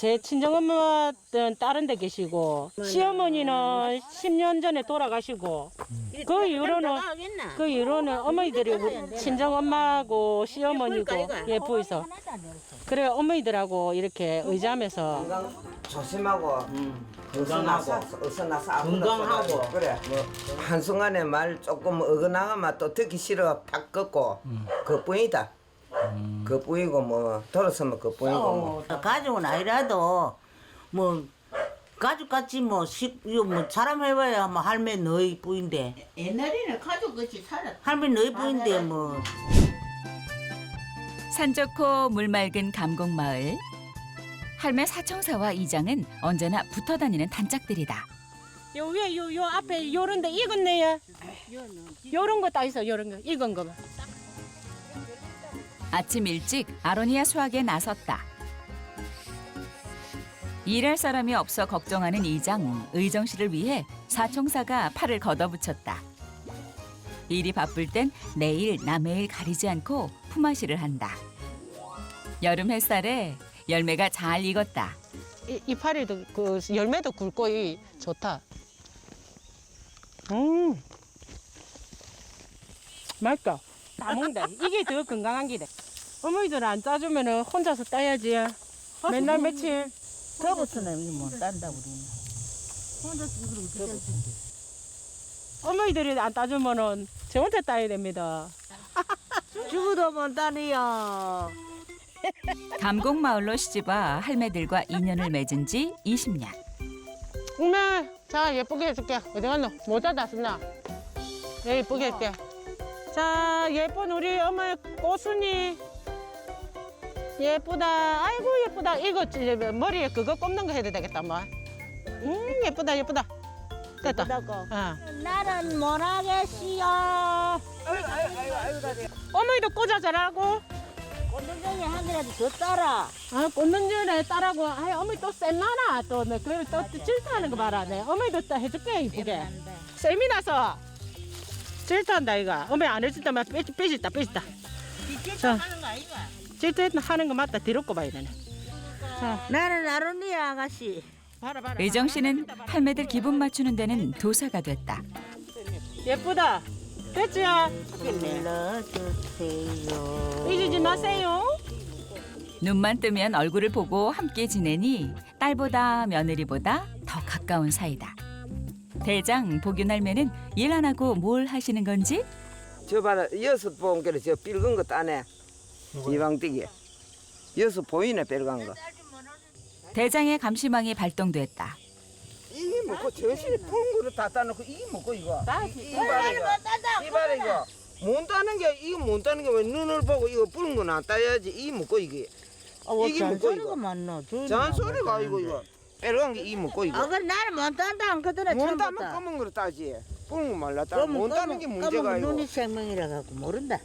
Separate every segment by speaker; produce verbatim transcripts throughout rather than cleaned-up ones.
Speaker 1: 제 친정엄마는 다른 데 계시고 시어머니는 십 년 전에 돌아가시고 그 이후로는 그 이후로는 어머니들이 우리 친정엄마하고 시어머니고 예 보이서 그래 어머니들하고 이렇게 의지하면서
Speaker 2: 건강 조심하고
Speaker 3: 음,
Speaker 2: 어서 나서 어서 나서 아무나
Speaker 3: 건강하고.
Speaker 2: 쏘라고. 그래 뭐 한순간에 말 조금 어긋나가면 또 듣기 싫어 팍 꺾고 그뿐이다. 그뿐이고 뭐 돌아서면 그뿐이고 뭐.
Speaker 4: 어, 가족은 아니라도 뭐 가족같이 뭐, 식, 이거 뭐 사람 해봐야 뭐 할매 너희 뿌인데
Speaker 5: 옛날에는 가족같이 살았.
Speaker 4: 할매 너희 뿌인데 뭐
Speaker 6: 산 좋고 물 맑은 감곡마을. 할매 사청사와 이장은 언제나 붙어 다니는 단짝들이다.
Speaker 1: 요 위에 요, 요 앞에 요런데 익었네요. 요런 거 딱 있어 요런 거 익은 거만.
Speaker 6: 아침 일찍 아로니아 수확에 나섰다. 일할 사람이 없어 걱정하는 이장, 의정 씨를 위해 사청사가 팔을 걷어붙였다. 일이 바쁠 땐 내일 남의 일 가리지 않고 품앗이를 한다. 여름 햇살에 열매가 잘 익었다.
Speaker 1: 이, 이파리도 그 열매도 굵고 이 좋다. 음, 맛있다. 다 먹는다. 이게 더 건강한 기래. 어머니들 안 짜주면은 혼자서 따야지. 맨날 며칠.
Speaker 4: 더부터는 뭐 딴다 우리는.
Speaker 1: 어머니들이 안 따주면은 저 혼자 따야 됩니다.
Speaker 4: 죽어도 못 따니요.
Speaker 6: 감곡마을로 시집와 할매들과 인연을 맺은 지 이십 년.
Speaker 1: 엄마, 자 예쁘게 해줄게. 어디 갔노? 모자 다 썼나? 예, 예쁘게 할게. 자, 예쁜 우리 어머니 꼬순이. 예쁘다. 아이고 예쁘다. 이거 이제 머리에 그거 꼽는 거 해도 되겠다, 뭐. 음, 예쁘다, 예쁘다. 됐다. 어.
Speaker 5: 나는 못하겠시요.
Speaker 1: 어머니도 꽂아 잘하고.
Speaker 5: 꽂는 중에 한 개라도 더 따라.
Speaker 1: 아, 꽂는 전에 따라고. 아, 어머니 또 쌤나나 또. 내 그걸 또 질투하는 거 봐라. 내 어머니도 또 해줄게 이쁘게. 쌤이 나서 질투한다 이거. 어머니 안 해줄 때만 삐 삐졌다 삐졌다. 자,
Speaker 5: 하는 거 아이가?
Speaker 1: 질투하는 거 맞다. 뒤로 꼽아야 되네. 자,
Speaker 4: 나는 아로니아 아가씨.
Speaker 1: 봐라 봐라.
Speaker 6: 의정 씨는 할매들 기분 맞추는 데는 도사가 됐다.
Speaker 1: 예쁘다. 됐지요?
Speaker 4: 불러주세요.
Speaker 1: 잊지 마세요.
Speaker 6: 눈만 뜨면 얼굴을 보고 함께 지내니 딸보다 며느리보다 더 가까운 사이다. 대장 복윤 할매는 일 안 하고 뭘 하시는 건지
Speaker 2: 저 봐라 여섯 봉개를 저 삘근 거 따네 이방뛰기 여섯 보이네 빨간 거
Speaker 6: 대장의 감시망이 발동됐다.
Speaker 2: 이게 먹고 저실 푸른 거를 다 따놓고 이게 먹고 이거 이 봐라 이거 이 봐라 이거 못 따는 게 이거 못 따는 게 왜 눈을 보고 이거 푸른 거는 안 따야지 이 먹고 이게
Speaker 4: 어,
Speaker 2: 이게 먹고
Speaker 4: 잔소리가
Speaker 2: 이거
Speaker 4: 많노.
Speaker 2: 잔소리가 이거 이거 빨간 게 이 먹고 이거
Speaker 4: 아, 그 나는 못 딴다 안 그러더라
Speaker 2: 못
Speaker 4: 처음
Speaker 2: 따면
Speaker 4: 봤다.
Speaker 2: 검은 거를 따지 푸른 거 말라 따 못 따는 게 문제가 이거
Speaker 4: 눈이 생명이라 갖고 모른다.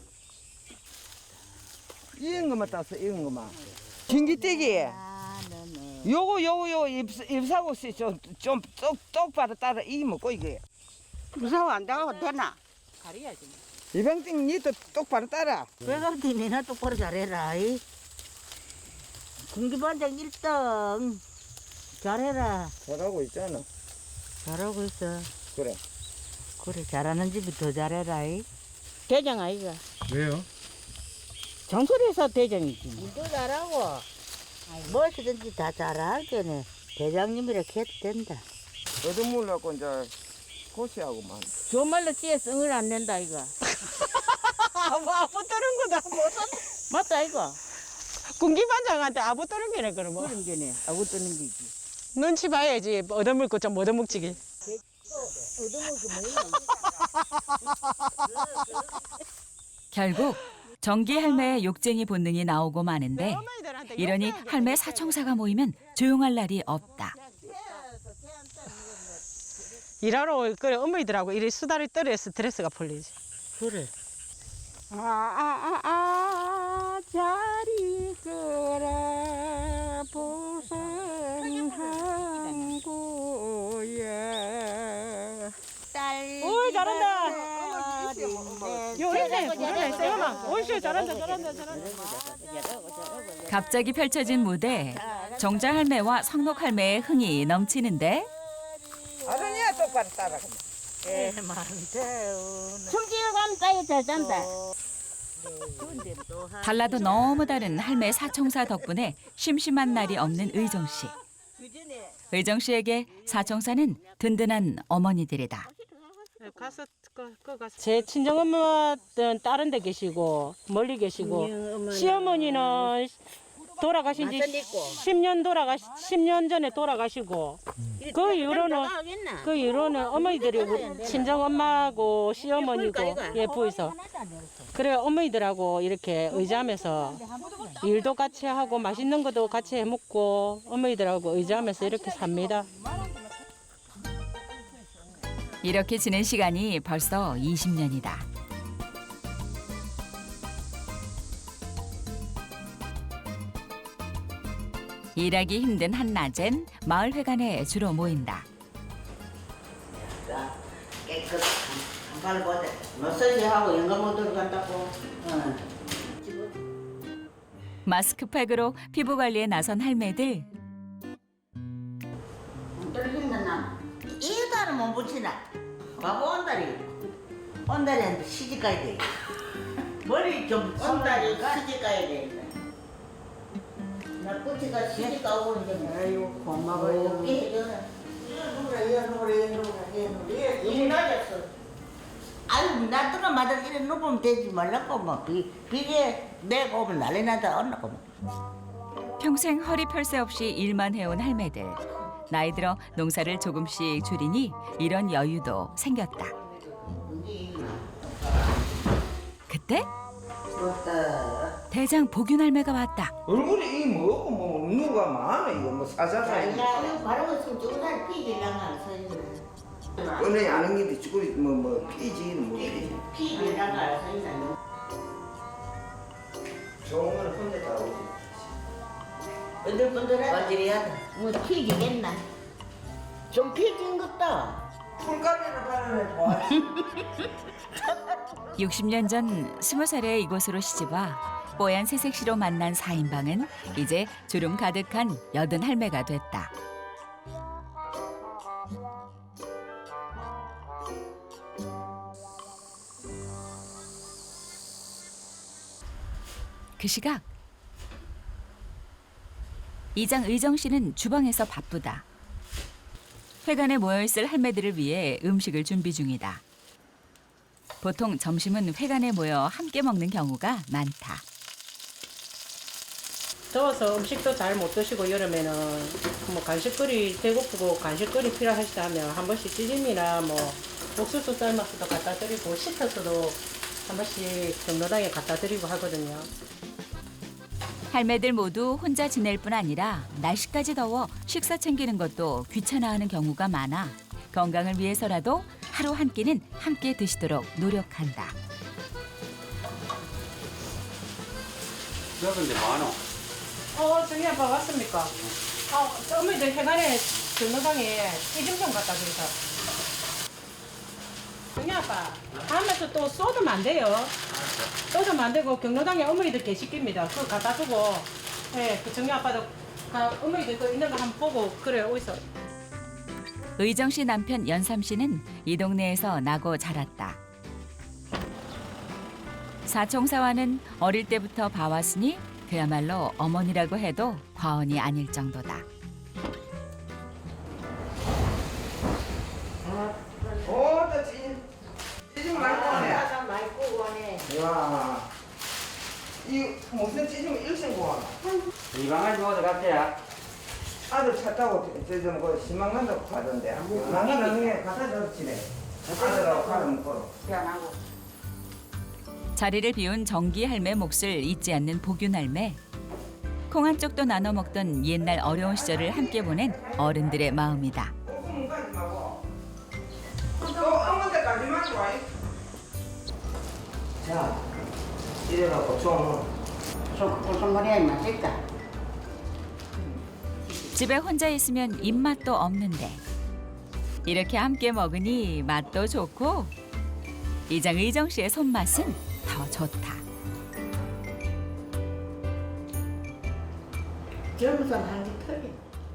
Speaker 2: 이런 것만 따서 이런 것만 전기떼기
Speaker 4: 아, 너네.
Speaker 2: 요거 요거 요 입, 입사고 좀좀 똑바로 따라 이 먹고 이게
Speaker 5: 무서워 안 나가도 되나?
Speaker 1: 가려야지.
Speaker 2: 이방띵 니도 똑바로 따라
Speaker 4: 외곽티 니나 똑바로 잘해라. 이. 군기반장 일 등 잘해라.
Speaker 2: 잘하고 있잖아
Speaker 4: 잘하고 있어.
Speaker 2: 그래
Speaker 4: 그래 잘하는 집이 더 잘해라. 이.
Speaker 1: 대장 아이가.
Speaker 3: 왜요?
Speaker 1: 정소리에서 대장이지.
Speaker 4: 일도 잘하고 무엇이든지 다 잘하겠네. 대장님이라 해도 된다.
Speaker 2: 얻어물라고 이제 고시하고만
Speaker 4: 좋은 말로 찌에 성을 안 낸다 이거.
Speaker 1: 아부 아부 떠는 거다.
Speaker 4: 맞다 이거.
Speaker 1: 군기반장한테 아부 떠는 게네 그러면.
Speaker 4: 그런 게네. 아구 뜨는 게지.
Speaker 1: 눈치 봐야지. 얻어먹고 좀 얻어먹지기.
Speaker 6: 결국 정기 할매의 욕쟁이 본능이 나오고 마는데 이러니 할매 사청사가 모이면 조용할 날이 없다.
Speaker 1: 일하러 그래 어머니들하고 이리 수다를 떨어야 스트레스가 풀리지.
Speaker 4: 그래.
Speaker 1: 아아아 아, 자리 그래 보생한 고야. 오이 잘한다. 요리네 요리네 세금아. 오이씨 잘한다 잘한다 잘한다.
Speaker 6: 갑자기 펼쳐진 무대 정자 할매와 성록 할매의 흥이 넘치는데
Speaker 2: 아들이야 똑바로 따라가.
Speaker 5: 숨지어 가면 따위 잘 잔다.
Speaker 6: 달라도 너무 다른 할매 사총사 덕분에 심심한 날이 없는 의정 씨. 의정 씨에게 사총사는 든든한 어머니들이다.
Speaker 1: 가서 제 친정 엄마는 다른 데 계시고 멀리
Speaker 5: 음,
Speaker 1: 계시고 시어머니는 돌아가신 지 십 년 돌아가 십 년 전에 돌아가시고 그 이후로는 그 이후로는 어머니들이 우리 친정 엄마고 시어머니고 예 부이서 그래 어머니들하고 이렇게 의지하면서 일도 같이 하고 맛있는 것도 같이 해 먹고 어머니들하고 의지하면서 이렇게 삽니다.
Speaker 6: 이렇게 지낸 시간이 벌써 이십 년이다. 일하기 힘든 한낮엔 마을 회관에 주로 모인다.
Speaker 4: 깨끗한 한갈보다 마사지하고 영감 못 들어간다고.
Speaker 6: 마스크팩으로 피부 관리에 나선 할매들.
Speaker 4: 떨어진다 나. 이 달은 못 붙이나. 바보 온달이. 온달이 시집 가야 돼. 머리 좀
Speaker 5: 온달이
Speaker 4: 가.
Speaker 5: 시집 가야 돼. 나 꼬치가 시집 가고 이제
Speaker 4: 아유 고마워요.
Speaker 5: 어깨 해줘라.
Speaker 4: 이거 누구라 이거 누구라 이거 누구라 이거 누구라
Speaker 5: 이리 낮았어.
Speaker 4: 아유 나더러 마다 이래 누우면 되지 말라고 뭐 비, 비계 내가 오면 난리 나다 언나고 뭐.
Speaker 6: 평생 허리 펼 새 없이 일만 해온 할매들. 나이 들어 농사를 조금씩 줄이니 이런 여유도 생겼다. 그때
Speaker 4: 좋다.
Speaker 6: 대장 복윤 할매가 왔다.
Speaker 2: 얼굴이 이 뭐고 뭐 누가 많아 이거 뭐 사자사 이거.
Speaker 5: 야, 이거 바로 있으면 조금만 피질랑가 서 있네.
Speaker 2: 꺼내 아는 게도 죽고 뭐뭐 피지 뭐 피지.
Speaker 5: 피질랑가 서 있네.
Speaker 2: 좋은 거는 혼자 다 오지.
Speaker 5: 번들번들해.
Speaker 4: 어지리하다.
Speaker 5: 뭐 피지겠나? 좀 피진 것다.
Speaker 2: 풀가루를 바르는 좋아.
Speaker 6: 육십 년 전 스무 살에 이곳으로 시집와 뽀얀 새색시로 만난 사인방은 이제 주름 가득한 여든 할매가 됐다. 그 시각 이장 의정 씨는 주방에서 바쁘다. 회관에 모여있을 할매들을 위해 음식을 준비 중이다. 보통 점심은 회관에 모여 함께 먹는 경우가 많다.
Speaker 1: 더워서 음식도 잘 못 드시고 여름에는 뭐 간식거리 배고프고 간식거리 필요하시다 하면 한 번씩 찌짐이나 뭐 옥수수 삶아서도 갖다 드리고 식혀서도 한 번씩 경로당에 갖다 드리고 하거든요.
Speaker 6: 할매들 모두 혼자 지낼 뿐 아니라 날씨까지 더워 식사 챙기는 것도 귀찮아하는 경우가 많아 건강을 위해서라도 하루 한 끼는 함께 드시도록 노력한다.
Speaker 3: 여건데 많어.
Speaker 1: 어, 정희 아빠 왔습니까? 어, 어머니들 해관에 경로당에 찌짐 좀 갖다 드리자. 정희 아빠, 다음에서 또 쏟으면 안 돼요. 쏟으면 안 되고 경로당에 어머니들 계시깁니다. 그거 갖다 주고, 예, 그 정희 아빠도 가, 어머니들 그 있는 거 한번 보고 그래 어디서.
Speaker 6: 의정 씨 남편 연삼 씨는 이 동네에서 나고 자랐다. 사총사와는 어릴 때부터 봐왔으니 그야말로 어머니라고 해도 과언이 아닐 정도다.
Speaker 2: 오, 또 찌짐. 찌짐 많이 꺼내.
Speaker 5: 아, 많이 구고 하네.
Speaker 2: 와. 이 무슨 찌짐을 일생 구하나?
Speaker 3: 이 방아지 어디 갔대야?
Speaker 2: 아들 차 타고 저좀 그 시망 간다고 하던데. 나가는 게 갖다 줬지네. 아들하고 가는 먹고.
Speaker 6: 자리를 비운 정기 할매 몫을 잊지 않는 복윤 할매. 콩 한 쪽도 나눠 먹던 옛날 어려운 시절을 함께 보낸 어른들의 마음이다.
Speaker 2: 꼭 가지 말고. 또 아무 데까지만 와. 자, 이래갖고 좀.
Speaker 5: 소송거리야 맛있다.
Speaker 6: 집에 혼자 있으면 입맛도 없는데 이렇게 함께 먹으니 맛도 좋고 이장 의정 씨의 손맛은 더 좋다.
Speaker 5: 젊은 사람 한게 털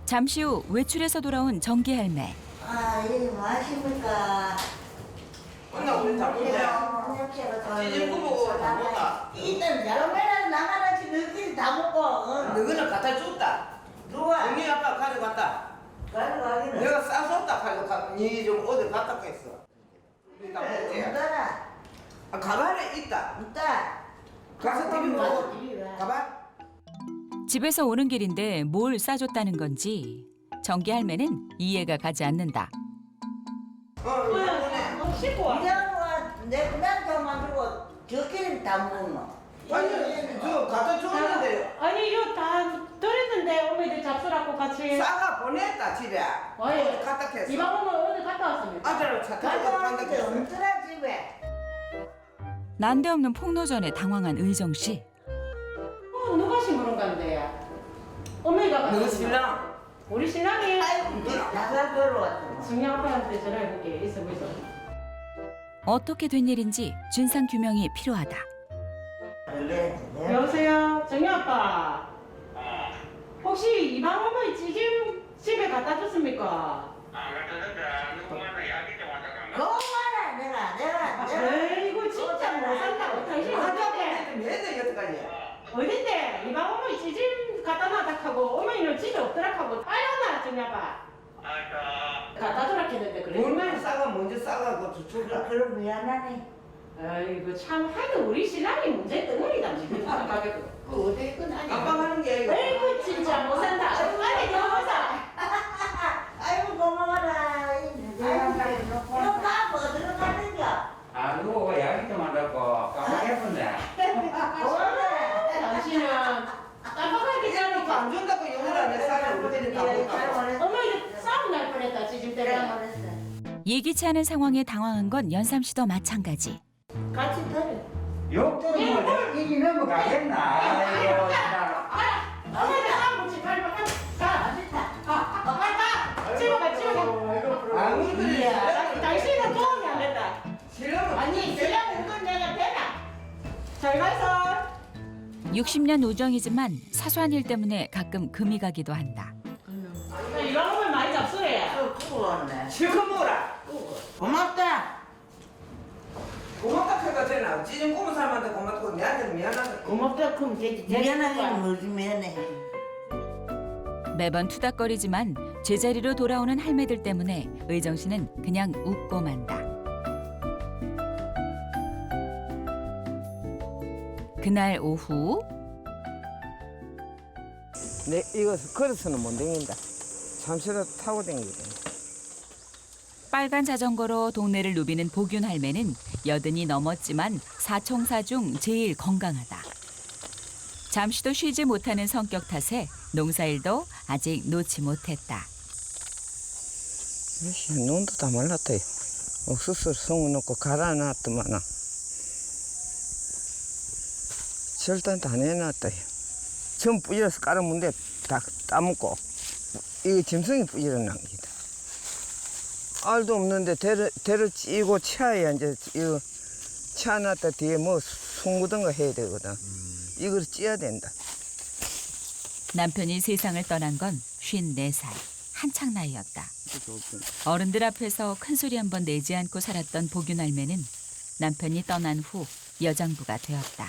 Speaker 6: 잠시 후 외출해서 돌아온 정기 할매.
Speaker 5: 아, 이게 무엇입니까?
Speaker 2: 혼나 우리 다 보세요. 찌질 구보고 다 먹다.
Speaker 5: 일단 여매랑 나가라 지금 너희들이 다 먹고 어?
Speaker 2: 너희는 갖다 줬다.
Speaker 5: 누가?
Speaker 2: 언니 아빠 가져갔다.
Speaker 5: 가져가기는
Speaker 2: 내가 싸줬다 가져가. 니좀 어디 갔다 했어. 우리 다 먹지.
Speaker 5: 없더라
Speaker 2: 아, 가발에 있다.
Speaker 5: 있다
Speaker 2: 가서 TV
Speaker 5: 가서
Speaker 2: 보고.
Speaker 5: TV 봐.
Speaker 2: 가발.
Speaker 6: 집에서 오는 길인데 뭘 싸줬다는 건지 정기 할매는 이해가 가지 않는다.
Speaker 2: 어, 이번에.
Speaker 1: 씻고 와.
Speaker 5: 이장과 내난더 만들고 저끼리 다 먹노
Speaker 2: 아니, 저 갖다 줬는데
Speaker 1: 아니 이거 다 드렸는데 어머니들 잡수라고 같이.
Speaker 2: 싸가 보냈다 집에.
Speaker 1: 어이.
Speaker 2: 어디 갔다 했어.
Speaker 1: 이방 어머 어디 갔다 왔습니까?
Speaker 2: 아들을 차 타고 간다
Speaker 5: 가져왔는데
Speaker 2: 했어.
Speaker 5: 없더라 집에
Speaker 6: 난데없는 폭로전에 당황한 의정 씨.
Speaker 1: 어, 누가 심부름 간대야? 어머니가
Speaker 2: 너
Speaker 1: 갔습니다.
Speaker 2: 신랑.
Speaker 1: 우리 신랑이
Speaker 5: 나가 걸어왔더라
Speaker 1: 승희 아빠한테 전화해볼게. 있어 보이소.
Speaker 6: 어떻게 된 일인지 진상 규명이 필요하다.
Speaker 5: 원래 내가
Speaker 1: 여보세요, 정희 아빠. 혹시 이방 어머니 찌짐 집에 갖다 줬습니까?
Speaker 5: 그만해 내가 내가 내가
Speaker 1: 에이구 진짜 못 산다고. 당신 어딘데?
Speaker 2: 매달 여태까지.
Speaker 1: 어딘데? 이방 어머니 찌짐 갖다 놨다 하고 어머니는 집에 없더라 하고 빨려나 정희 아빠. 갖다 주라 했는데 그래.
Speaker 2: 얼마나 싸가 먼저 싸가고 저쪽으로.
Speaker 5: 그럼 미안하네
Speaker 1: 아이고 참 하여튼 우리 신랑이 문제 덩어리다 지금 생각해도. 그 어디 끝나냐?
Speaker 2: 깜빡하는 게 아니고.
Speaker 1: 아이고 진짜 못 산다. 빨리 들어가자.
Speaker 5: 아이고 고마워라 이거 다 어디로 가는겨
Speaker 3: 아, 누구 이야기 좀 한다고 깜빡했었네.
Speaker 5: 고마워라
Speaker 1: 당신은 깜빡하기
Speaker 2: 이제는
Speaker 1: 전에
Speaker 2: 안 준다고 욕을 안 해. 싸를 우리들이 다 먹다고.
Speaker 1: 어머니 싸움 날 뻔했다 지금 때문에.
Speaker 6: 예기치 않은 상황에 당황한 건 연삼 씨도 마찬가지.
Speaker 1: 같이 들어.
Speaker 3: 욕 들으면 내 입이 넘어가겠나? 아이고, 진짜.
Speaker 1: 어머니 싸움 붙이 빨리 빨리 가. 가. 빨리 가. 집에 가 집에 가.
Speaker 2: 아무리
Speaker 1: 이야, 당신은 도움이 안 된다.
Speaker 2: 신랑은
Speaker 1: 아니 신랑 운전 내가 되나? 잘 가서.
Speaker 6: 육십 년 우정이지만 사소한 일 때문에 가끔 금이 가기도 한다.
Speaker 1: 이런 거면 많이 잡수래.
Speaker 5: 고마웠네
Speaker 2: 실컷 먹어라.
Speaker 5: 고맙다
Speaker 2: 고맙다 해가 되나? 지금 꼬문 사람한테 고맙고 내한테는 미안하다.
Speaker 5: 고맙다 그럼 되지 미안하긴 뭐지 미안해
Speaker 6: 매번 투닥거리지만 제자리로 돌아오는 할매들 때문에 의정 씨는 그냥 웃고 만다. 그날 오후
Speaker 2: 내 이거 걸어서는 못 댕긴다. 잠시라도 타고 댕기야 돼.
Speaker 6: 빨간 자전거로 동네를 누비는 복윤 할매는 여든이 넘었지만 사총사 중 제일 건강하다. 잠시도 쉬지 못하는 성격 탓에 농사일도 아직 놓지 못했다.
Speaker 2: 역시 눈도 다 말랐다요. 옥수수를 성우 넣고 갈아놨더만은 절단 다 내놨다요. 전 뿌려서 깔아문데 다 따먹고 이게 짐승이 뿌려난 기다. 알도 없는데 대를 대를 찌고 치아야 이제 이거 치아놨다 뒤에 뭐 송구던가 해야 되거든. 이걸 찌야 된다.
Speaker 6: 남편이 세상을 떠난 건 쉰네 살, 한창 나이였다. 어른들 앞에서 큰 소리 한 번 내지 않고 살았던 복윤 할매는 남편이 떠난 후 여장부가 되었다.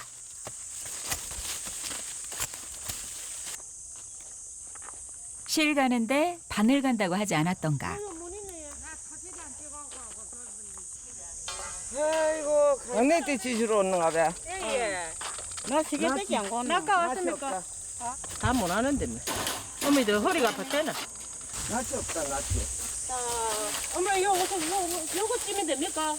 Speaker 6: 실 가는데 바늘 간다고 하지 않았던가.
Speaker 2: 아이고 강내 때 지주로 오는가 봐.
Speaker 1: 예예. 나 시계밖에 안 가나. 아까 왔습니까? 다 못 하는데 뭐. 어머니들 허리가 아팠대나.
Speaker 2: 낯이 없다 낯이.
Speaker 1: 어머니 요거 요거 요거 찌면 됩니까?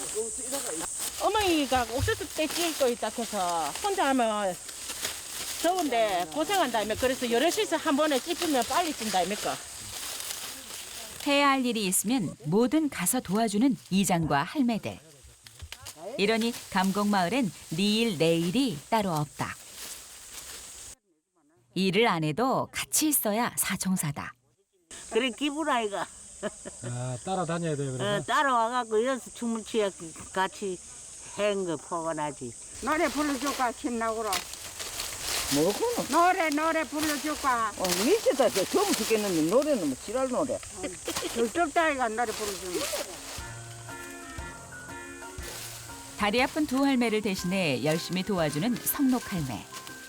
Speaker 1: 어머니가 옥수수 때 찌을 거 있다 해서 혼자 하면 더운데 고생한다며 그래서 여럿이서 한 번에 찌으면 빨리 찐다입니까?
Speaker 6: 해야 할 일이 있으면 뭐든 가서 도와주는 이장과 할매들. 이러니 감곡마을엔 니일 내일이 따로 없다. 일을 안 해도 같이 있어야 사총사다.
Speaker 5: 그래 기분 아이가
Speaker 7: 아, 따라다녀야 돼요,
Speaker 5: 어,
Speaker 7: 그래서?
Speaker 5: 따라와갖고 여기서 춤을 추야 같이 한 거 포근하지
Speaker 2: 노래 불러줄까 신나고로. 뭐고는?
Speaker 1: 노래 노래 불러줄까?
Speaker 2: 어, 미치다. 저 처음 죽겠는데 노래는 뭐 지랄 노래.
Speaker 1: 절적다이가 노래 불러주는.
Speaker 6: 다리 아픈 두 할매를 대신해 열심히 도와주는 성록 할매.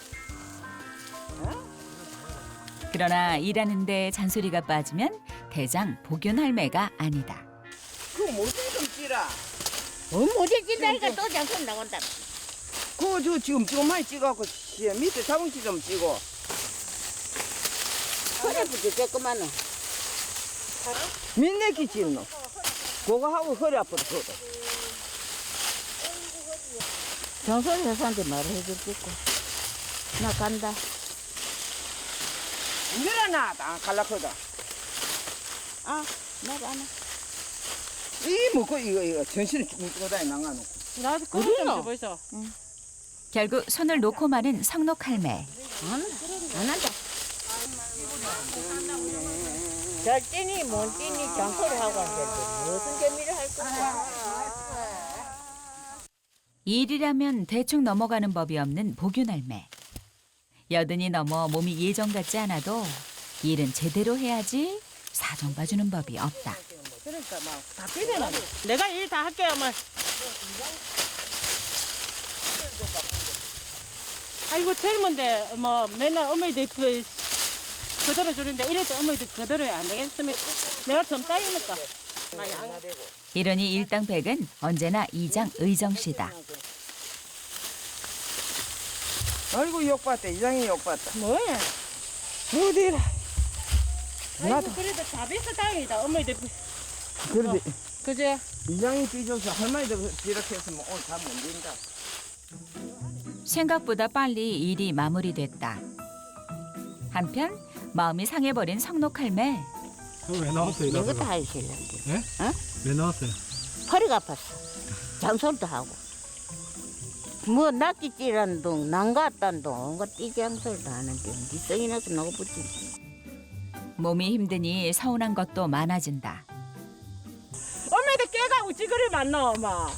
Speaker 6: 그러나 일하는데 잔소리가 빠지면 대장 복윤 할매가 아니다.
Speaker 2: 그 모델 좀 찌라.
Speaker 5: 어, 못해 찐다니까 또 장son 나온다.
Speaker 2: 그거 저 지금 조금만 찍어갖고 씨, 밑에 자봉치 좀 찍어.
Speaker 5: 허리 부지 조그마는.
Speaker 2: 민내기 찍노. 그거 하고 허리 아프다 그거.
Speaker 5: 정선 회사한테 말을 해줄 거고. 나 간다.
Speaker 2: 일어나, 나 갈라거든.
Speaker 5: 아, 나도 안 해.
Speaker 2: 이 뭐고 이거 이거 전신을 쭉 끌어다니 나가놓고.
Speaker 1: 나도 그거 좀 줘보이소.
Speaker 6: 결국 손을 놓고 마는 성록 할매.
Speaker 5: 안, 안 한다. 잘 뛰니 못 뛰니 장소를 하고 앉았지. 무슨 재미를 할 거야.
Speaker 6: 일이라면 대충 넘어가는 법이 없는 복윤 할매. 여든이 넘어 몸이 예전 같지 않아도 일은 제대로 해야지 사정 봐주는 법이 없다.
Speaker 1: 그러니까 막다 비벼놔. 내가 일 다 할게요, 어머. 아이고 젊은데 뭐 맨날 어머니들 그 그대로 주는데 이래도 어머니들 그대로 안 되겠습니까? 내가 좀 따이니까.
Speaker 6: 이러니 일당백은 언제나 이장 의정씨다.
Speaker 2: 아이고 욕봤다. 이장이 욕봤다.
Speaker 1: 뭐야?
Speaker 2: 어디라.
Speaker 1: 아이고 그래도 다 비싸 다행이다. 어머니들
Speaker 2: 그래도
Speaker 1: 그제?
Speaker 2: 이장이 삐져서 할머니도 이렇게 했으면 오늘 다 못 된다.
Speaker 6: 생각보다 빨리 일이 마무리됐다. 한편 마음이 상해버린 성록 할매.
Speaker 7: 그럼 왜 나왔어요?
Speaker 5: 이거
Speaker 7: 나보고?
Speaker 5: 다 하기 싫은데.
Speaker 7: 예?
Speaker 5: 어?
Speaker 7: 왜 나왔어요?
Speaker 5: 허리가 아팠어. 장소도 하고. 뭐 낚시질한 동, 난갔단 동, 온갖 띠장소도 하는데 니성이 나서 나고 붙지.
Speaker 6: 몸이 힘드니 서운한 것도 많아진다.
Speaker 1: 어머니들 깨가 우찌그리 많노, 엄마. 어?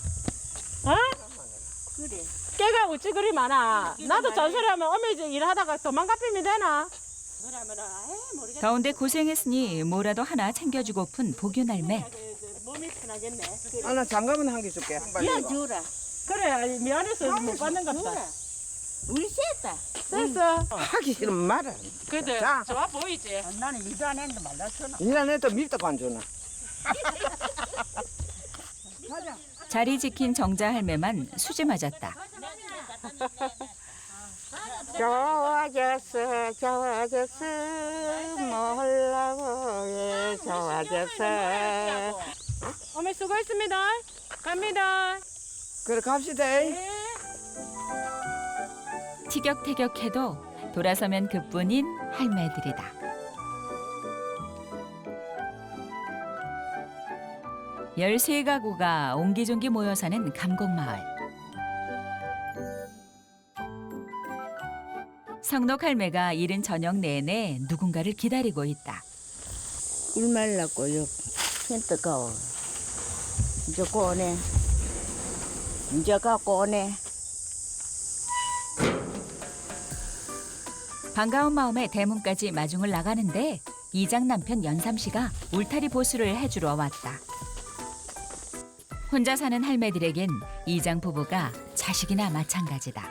Speaker 5: 그래.
Speaker 1: 깨가 우찌그리 많아. 나도 잔소리하면 어머니 일하다가 도망가피면 되나? 그러면은 에이 모르겠다.
Speaker 6: 더운데 고생했으니 뭐라도 하나 챙겨주고픈 복윤 할매.
Speaker 1: 몸이 편하겠네.
Speaker 2: 아, 나 장갑은 한 개 줄게.
Speaker 5: 야, 주라.
Speaker 1: 그래 미안해서 못 받는 갑다.
Speaker 5: 우리 셋다.
Speaker 1: 됐어.
Speaker 2: 하기 싫으면 말아.
Speaker 1: 그래도
Speaker 2: 자.
Speaker 1: 좋아 보이지.
Speaker 5: 나는 일도 안 했는데 말랐잖아.
Speaker 2: 일 안 해도 밀떡 안 주나.
Speaker 6: 자리 지킨 정자 할매만 수지 맞았다.
Speaker 5: 좋아졌어, 좋아졌어, 몰라고, 예, 좋아졌어.
Speaker 1: 어머니 수고했습니다. 갑니다.
Speaker 2: 그래 갑시다.
Speaker 1: 네.
Speaker 6: 티격태격해도 돌아서면 그뿐인 할매들이다. 열세 가구가 옹기종기 모여 사는 감곡마을. 성록 할매가 이른 저녁 내내 누군가를 기다리고 있다.
Speaker 5: 일 말랐고, 요, 텐트 가오. 이제 꺼내. 이제 갖고 오네.
Speaker 6: 반가운 마음에 대문까지 마중을 나가는데 이장 남편 연삼 씨가 울타리 보수를 해주러 왔다. 혼자 사는 할매들에겐 이장 부부가 자식이나 마찬가지다.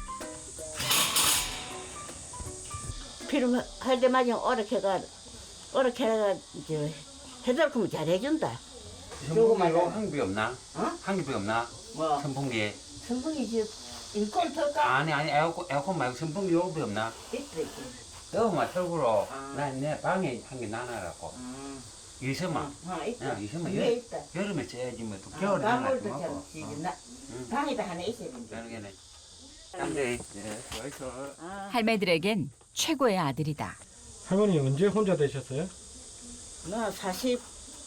Speaker 5: 필요할 때마다 오락해가, 오락해가, 이제, 해달 거면 잘해준다.
Speaker 3: 선풍기 이거 한개밖에 없나?
Speaker 5: 어?
Speaker 3: 한개밖에 없나?
Speaker 5: 뭐?
Speaker 3: 선풍기.
Speaker 5: 성분이 이제, 일꾼 털까?
Speaker 3: 아니 아니 에어컨 에어컨 말고 선풍기 요거밖에 없나?
Speaker 5: 있어, 있어.
Speaker 3: 너만 털고로
Speaker 5: 아.
Speaker 3: 난 내 방에 한 개 나눠라고.
Speaker 5: 음.
Speaker 3: 이서만.
Speaker 5: 아, 있다.
Speaker 3: 야, 이서만
Speaker 5: 위에
Speaker 3: 여,
Speaker 5: 있다.
Speaker 3: 여름에 쪄야지 뭐 또
Speaker 5: 아,
Speaker 3: 겨울에 하나
Speaker 5: 방울도
Speaker 3: 좀
Speaker 5: 잘
Speaker 3: 하고.
Speaker 5: 지지. 나,
Speaker 3: 응.
Speaker 5: 방에다 하나 있어야 된다.
Speaker 3: 그러는 게네. 깜짝이. 예, 수고했어.
Speaker 5: 아,
Speaker 6: 할매들에겐 최고의 아들이다.
Speaker 7: 할머니 언제 혼자 되셨어요?
Speaker 5: 나 사십,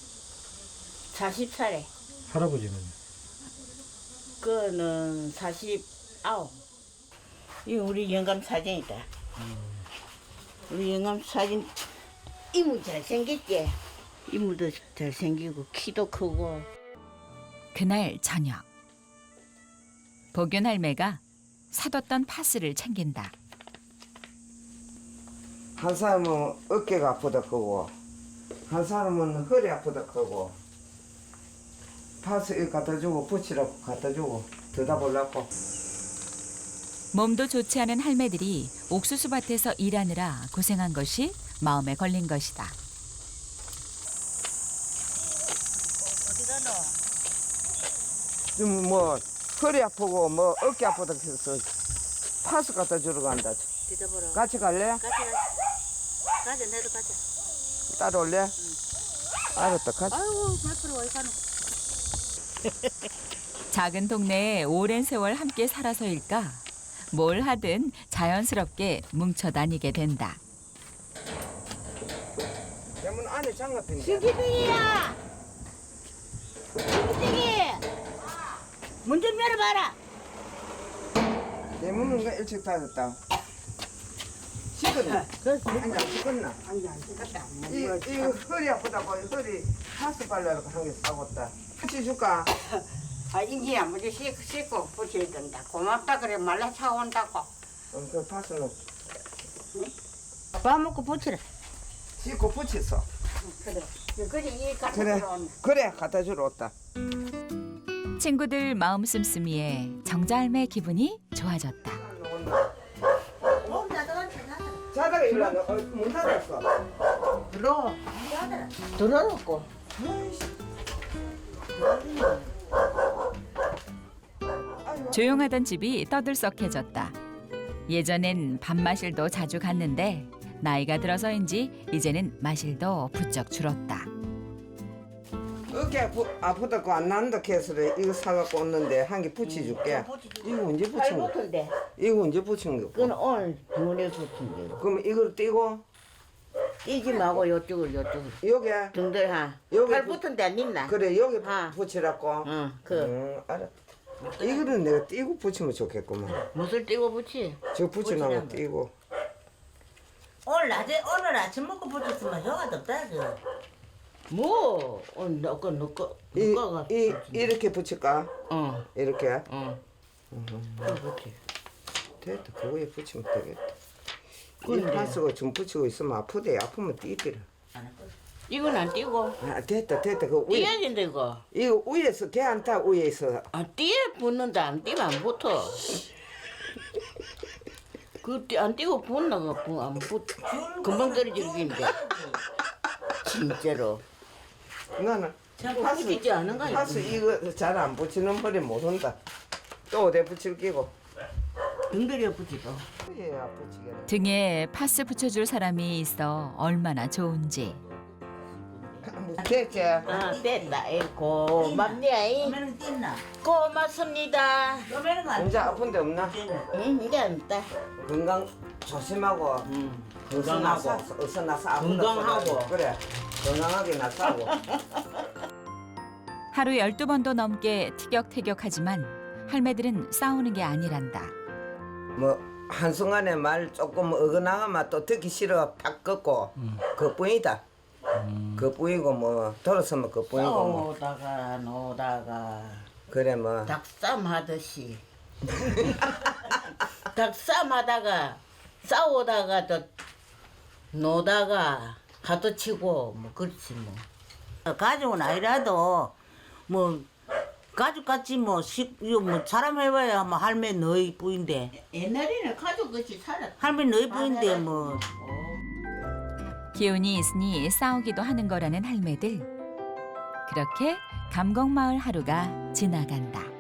Speaker 5: 사십 살에.
Speaker 7: 할아버지는?
Speaker 5: 그는 사십아홉. 이 우리 영감 사진이다. 우리 영감 사진 이모 잘생겼지? 이모도 잘생기고 키도 크고.
Speaker 6: 그날 저녁 복윤 할매가 사뒀던 파스를 챙긴다.
Speaker 2: 한 사람은 어깨가 아프다 크고 한 사람은 허리 아프다 크고 파스 갖다 주고 붙이라고 갖다 주고 들다 보려고.
Speaker 6: 몸도 좋지 않은 할매들이 옥수수 밭에서 일하느라 고생한 것이 마음에 걸린 것이다.
Speaker 2: 지금 뭐 허리 아프고 뭐 어깨 아프다 해서 파스 갖다 주러 간다.
Speaker 5: 뒤져보러.
Speaker 2: 같이 갈래?
Speaker 5: 가자. 가자. 내도 가자.
Speaker 2: 따라올래? 응. 알았다. 가자.
Speaker 5: 아이고 몇 프로 어디 가노?
Speaker 6: 작은 동네에 오랜 세월 함께 살아서일까? 뭘 하든 자연스럽게 뭉쳐 다니게 된다.
Speaker 2: 대문 안에 장갑인데.
Speaker 5: 신기둥이야. 신기둥이. 문 좀 열어봐라.
Speaker 2: 대문은 왜 일찍 닫았다. 식었나? 아니 안 식었나?
Speaker 5: 아니 안 찍었다.
Speaker 2: 이, 이 허리 아프다고 허리 파스 발라고 한 개 싸웠다. 같이 줄까?
Speaker 5: 아 인지야 먼저 씻고 씻고 붙여야 된다. 고맙다 그래 말라 차온다고.
Speaker 2: 어, 그 파스는
Speaker 5: 밥 먹고 붙이라.
Speaker 2: 씻고 붙였어.
Speaker 5: 그래. 그래 이 같이
Speaker 2: 그래,
Speaker 5: 들어온다.
Speaker 2: 그래 갖다 주러 왔다.
Speaker 6: 친구들 마음 씀씀이에 정자할매 기분이 좋아졌다.
Speaker 2: 자다가 일로 왔네. 어, 문 닫았어.
Speaker 5: 들어. 들어놓고.
Speaker 6: 조용하던 집이 떠들썩해졌다. 예전엔 밥마실도 자주 갔는데 나이가 들어서인지 이제는 마실도 부쩍 줄었다.
Speaker 2: 어깨 아프, 아프다고 안 난다 해서 이거 사갖고 왔는데 한 개 붙여줄게. 이거 언제 붙인 거?
Speaker 5: 붙은데.
Speaker 2: 이거 언제 붙인 거?
Speaker 5: 그건 오늘 눈에 붙은 거.
Speaker 2: 그럼 이걸 띄고
Speaker 5: 띄지 말고 요쪽을 요쪽을.
Speaker 2: 여기
Speaker 5: 등들 하.
Speaker 2: 여기
Speaker 5: 팔
Speaker 2: 붙-
Speaker 5: 붙은 데 안 있나?
Speaker 2: 그래 여기
Speaker 5: 아.
Speaker 2: 붙이라고.
Speaker 5: 응. 그
Speaker 2: 응, 알아. 이거는 내가 띄고 붙이면 좋겠구만.
Speaker 5: 무술 띄고 붙이.
Speaker 2: 저 붙여놓은 거
Speaker 5: 붙이라는
Speaker 2: 띄고.
Speaker 4: 오늘 낮에 오늘 아침 먹고 붙였으면 효가 덥다 저.
Speaker 5: 뭐? 오늘 너거 너거
Speaker 2: 이,
Speaker 5: 너거가.
Speaker 2: 이 이렇게 붙일까?
Speaker 5: 어.
Speaker 2: 이렇게.
Speaker 5: 어. 그 붙이.
Speaker 2: 됐다. 그거에 붙이면 되겠다. 이
Speaker 5: 근데-
Speaker 2: 파스가 좀 붙이고 있으면 아프대. 아프면 띄더라.
Speaker 5: 이건 안 띄고.
Speaker 2: 아 됐다 됐다. 그 위에
Speaker 5: 띄어야 된다 이거.
Speaker 2: 이거 위에서 개 안 타 위에서.
Speaker 5: 아 띄에 붙는다 안 띄면 안 붙어. 그안 띄고 붙나 그안 붙. 금방 떨어지는데. 진짜로.
Speaker 2: 나는
Speaker 5: 파스 있지 않은 거 아니야?
Speaker 2: 파스 이거 잘 안 붙이는 머리 못 온다. 또 어디 붙일 끼고.
Speaker 5: 등들이에 붙이고.
Speaker 2: 예, 아프지게.
Speaker 6: 등에 파스 붙여줄 사람이 있어 얼마나 좋은지.
Speaker 2: 됐지?
Speaker 5: 아 됐다. 이 고맙네.
Speaker 4: 그러면 뛴나?
Speaker 5: 고맙습니다.
Speaker 4: 그러면 안
Speaker 2: 혼자 아픈 데 없나?
Speaker 5: 응 이제 안 돼.
Speaker 2: 건강 조심하고.
Speaker 5: 응.
Speaker 2: 어서 나서 어서 나서 아프다
Speaker 5: 건강하고.
Speaker 2: 써가지고. 그래. 건강하게 나서고.
Speaker 6: 하루 열두 번도 넘게 티격태격하지만 할매들은 싸우는 게 아니란다.
Speaker 2: 뭐 한순간에 말 조금 어긋나가면 또 듣기 싫어 팍 꺾고 그뿐이다. 그뿐이고 뭐 돌아서면 그뿐이고 뭐
Speaker 5: 싸우다가 노다가
Speaker 2: 그래 뭐
Speaker 5: 닭싸움 하듯이 닭싸움하다가 싸우다가 또 노다가 하도 치고 뭐 그렇지 뭐.
Speaker 4: 가족은 아니라도 뭐 가족같이 뭐, 식, 이거 뭐 사람 해봐야 뭐 할매 너희 뿌인데
Speaker 5: 옛날에는 가족같이 살았.
Speaker 4: 할매 너희 뿌인데 뭐
Speaker 6: 기운이 있으니 싸우기도 하는 거라는 할매들. 그렇게 감곡마을 하루가 지나간다.